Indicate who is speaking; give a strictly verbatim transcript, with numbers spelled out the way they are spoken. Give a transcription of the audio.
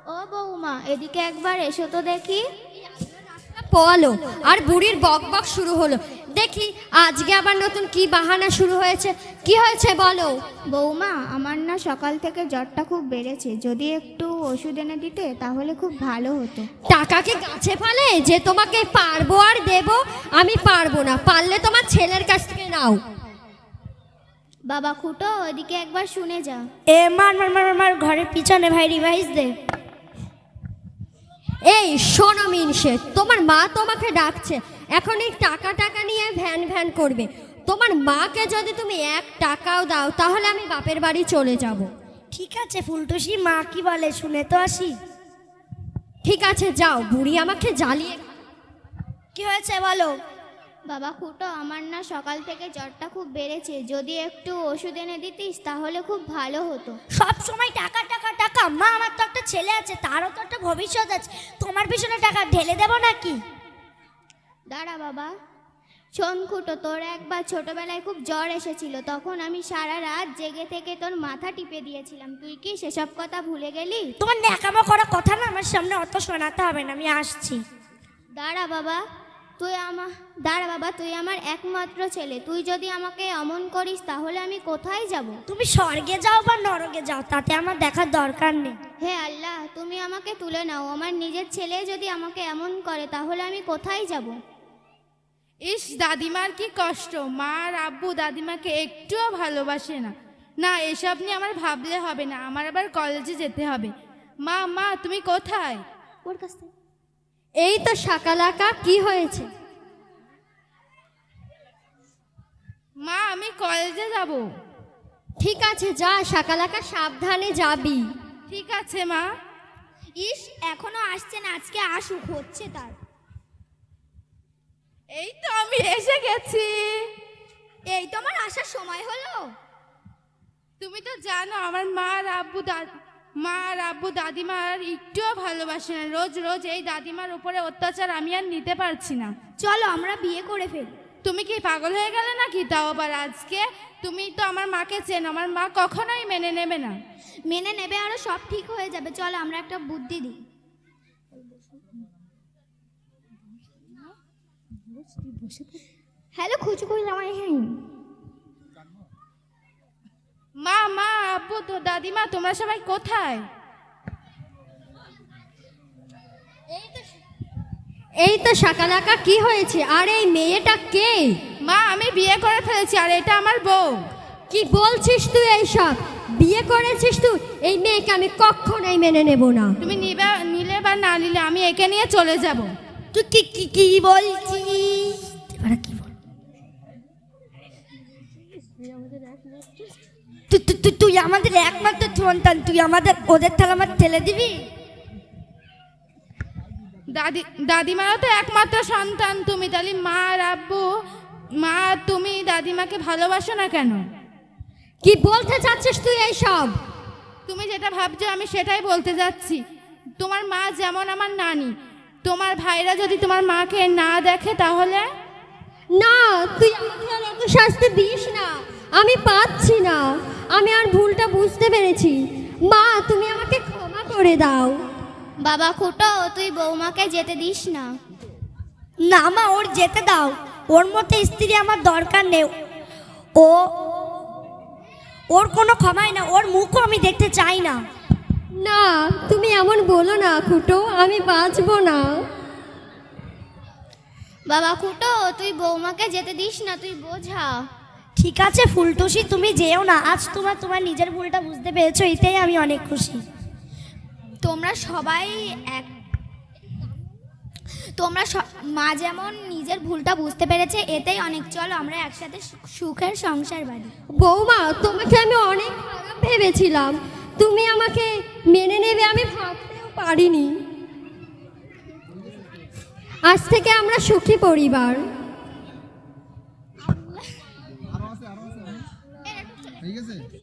Speaker 1: ও বৌমা, এদিকে একবার এসো তো দেখি।
Speaker 2: পোয়ালো আর বুড়ির বক বক শুরু হলো। দেখি আজকে আবার নতুন কি বাহানা শুরু হয়েছে। কি হয়েছে বলো।
Speaker 1: বৌমা, আমার না সকাল থেকে জ্বরটা খুব বেড়েছে, যদি একটু ওষুধ এনে দিতে তাহলে খুব ভালো হতো।
Speaker 2: টাকা কি গাছে ফলে যে তোমাকে পারবো আর দেব? আমি পারবো না, পারলে তোমার ছেলের কাছ থেকে নাও।
Speaker 1: বাবা খুটো, ওদিকে একবার শুনে যা।
Speaker 3: এ মার মার মার মার ঘরের পিছনে ভাই রিভাইস দে।
Speaker 2: এই শোনো মিনসে, তোমার মা তোমাকে ডাকছে। এখন এই টাকা টাকা নিয়ে ভ্যান ভ্যান করবে। তোমার মাকে যদি তুমি এক টাকাও দাও তাহলে আমি বাপের বাড়ি চলে যাব।
Speaker 3: ঠিক আছে ফুলটুসি, মা কি বলে শুনে তো আসি।
Speaker 2: ঠিক আছে যাও, বুড়ি আমাকে জ্বালিয়ে।
Speaker 3: কি হয়েছে বলো।
Speaker 1: বাবা খুটো, আমার না সকাল থেকে জ্বরটা খুব বেড়েছে, যদি একটু ওষুধ এনে দিতিস তাহলে খুব ভালো হতো।
Speaker 3: সব সময় টাকা টাকা টাকা। মা, আমার তো একটা ছেলে আছে, তারও তো একটা ভবিষ্যৎ আছে। তোমার পিছনে টাকা ঢেলে দেবো নাকি?
Speaker 1: দাঁড়া বাবা। শোন খুটো, তোর একবার ছোটবেলায় খুব জ্বর এসেছিল, তখন আমি সারা রাত জেগে থেকে তোর মাথা টিপে দিয়েছিলাম। তুই কি সেসব কথা ভুলে গেলি?
Speaker 3: তোমার ন্যাকামো করা কথা না আমার সামনে অত শোনাতে হবে না, আমি আসছি।
Speaker 1: দাঁড়া বাবা, তুই আমার দাঁড়া বাবা তুই আমার একমাত্র ছেলে, তুই যদি আমাকে অমন করিস তাহলে আমি কোথায় যাব?
Speaker 3: তুমি স্বর্গে যাও বা নরকে যাও, তাতে আমার দেখার দরকার নেই।
Speaker 1: হে আল্লাহ, তুমি আমাকে তুলে নাও। আমার নিজের ছেলে যদি আমাকে এমন করে তাহলে আমি কোথায় যাব?
Speaker 4: ইস, দাদিমার কি কষ্ট। মা আর আব্বু দাদিমাকে একটুও ভালোবাসে না। না, এসব নিয়ে আমার ভাবলে হবে না, আমার আবার কলেজে যেতে হবে। মা মা তুমি কোথায়?
Speaker 1: ওর কাছ থেকে
Speaker 2: এই তো শাকালাকা, কি হয়েছে?
Speaker 4: মা, আমি কলেজে যাব।
Speaker 2: ঠিক আছে যা শাকালাকা, সাবধানে যাবি।
Speaker 4: ঠিক আছে মা।
Speaker 1: ইস, এখনো আসছে না, আজকে আসুক, হচ্ছে তার।
Speaker 4: এই তো আমি এসে গেছি।
Speaker 1: এই তো আমার আসার সময় হলো।
Speaker 4: তুমি তো জানো আমার মা আর আব্বু দা- মা আর আব্বু দাদিমার একটুও ভালোবাসে না। রোজ রোজ এই দাদিমার উপরে অত্যাচার আমি আর নিতে পারছি না।
Speaker 1: চলো আমরা বিয়ে করে ফেলি।
Speaker 4: তুমি কি পাগল হয়ে গেলে নাকি? তাও আবার আজকে? তুমি তো আমার মাকে চেনো, আমার মা কখনোই মেনে নেবে না।
Speaker 1: মেনে নেবে, আরো সব ঠিক হয়ে যাবে। চলো আমরা একটা বুদ্ধি দিই। হ্যালো খুচু কই জামাই, হ্যাঁ
Speaker 4: মা মা আব্বু তো দাদিমা তোমরা সবাই কোথায়?
Speaker 2: এই তো শাকালাকা, কি হয়েছে? আর এই মেয়েটা কে?
Speaker 4: মা, আমি বিয়ে করে ফেলেছি আর এটা আমার বউ।
Speaker 2: কি বলছিস তুই এইসব? বিয়ে করেছিস তুই? এই মেয়েকে আমি কখনোই মেনে নেব না।
Speaker 4: তুমি নিবে নিলে বা না নিলে আমি একে নিয়ে চলে যাব।
Speaker 3: তুই কি কি কি বলছিস? এবারে কি বল? তুই তুই- তুই তুই আমাদের একমাত্র সন্তান, তুই আমাদের ওদের থালা আমার ঠেলে দিবি?
Speaker 4: দাদি দাদিমারও তো একমাত্র সন্তান তুমি, তাহলে মা আর আব্বু, মা তুমি দাদিমাকে ভালোবাসো না কেন?
Speaker 2: কি বলতে চাচ্ছিস তুই এইসব?
Speaker 4: তুমি যেটা ভাবছো আমি সেটাই বলতে যাচ্ছি। তোমার মা যেমন আমার নানি, তোমার ভাইরা যদি তোমার মাকে না দেখে তাহলে?
Speaker 2: না, তুই আমাকে আর এত শাস্তি দিস না, আমি পাচ্ছি না। আমি আর ভুলটা বুঝতে পেরেছি। মা, তুমি আমাকে ক্ষমা করে দাও।
Speaker 1: বাবা খুটো, তুই বৌমাকে যেতে দিস না।
Speaker 3: না মা, ওর যেতে দাও। ওর মতো স্ত্রী আমার দরকার নেই। ও ওর কোনো ক্ষমাই না, ওর মুখও আমি দেখতে চাই না।
Speaker 2: না, তুমি এমন বলো না খুটো, আমি বাঁচবো না।
Speaker 1: বাবা খুটো, তুই বৌমাকে যেতে দিস না, তুই বোঝা।
Speaker 3: ঠিক আছে ফুলটুসি, তুমি যেও না। আজ তোমার তোমার নিজের ভুলটা বুঝতে পেরেছো, এটাই আমি অনেক খুশি।
Speaker 1: তোমরা সবাই এক তোমরা স- মা যেমন নিজের ভুলটা বুঝতে পেরেছে, এতেই অনেক। চলো আমরা একসাথে সু- সুখের সংসার বাঁধি।
Speaker 2: বৌমা, তোমাকে আমি অনেক খারাপ ভেবেছিলাম। তুমি আমাকে মেনে নেবে আমি ভাবতেও পারিনি। আজ থেকে আমরা সুখী পরিবার।
Speaker 5: ঠিক আছে।